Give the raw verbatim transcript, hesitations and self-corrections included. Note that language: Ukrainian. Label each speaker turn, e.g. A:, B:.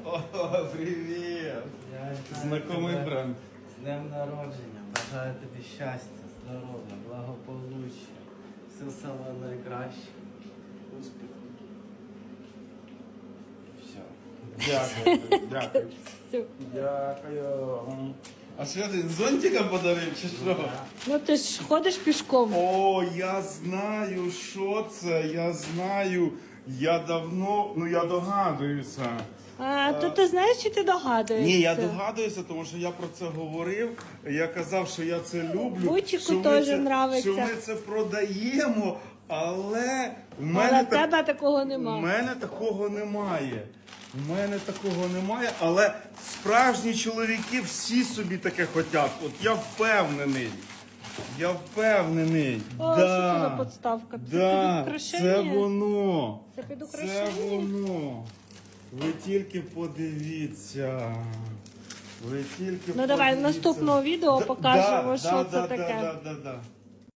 A: О, привіт! Знакомий бренд.
B: З днем народження. Бажаю тобі щастя, здоров'я, благополуччя. Все саме найкраще. Успіху.
A: Все. Дякую, дякую. Дякую. А що ти зонтика подарив чи що?
C: Ну ти ж ходиш пішком.
A: О, я знаю, що це, я знаю. Я давно, ну я догадуюся.
C: А, то ти знаєш, чи ти догадуєшся?
A: Ні, я догадуюся, тому що я про це говорив. Я казав, що я це люблю.
C: Бутіку
A: що ми
C: теж
A: це-
C: нравиться.
A: Що ми це продаємо, але в
C: Але
A: мене,
C: в тебе такого
A: У
C: нема.
A: мене такого немає. У мене такого немає, але справжні чоловіки всі собі таке хочуть. От я впевнений. Я впевнений.
C: О,
A: да,
C: що це за подставка? Це
A: да,
C: під украшення?
A: це воно.
C: Це під
A: Це
C: украшення?
A: воно. Ви тільки подивіться. Ви тільки
C: Ну давай
A: подивіться.
C: наступного відео
A: Да,
C: покажемо,
A: да,
C: що
A: да,
C: це
A: да,
C: таке.
A: Да, да, да, да.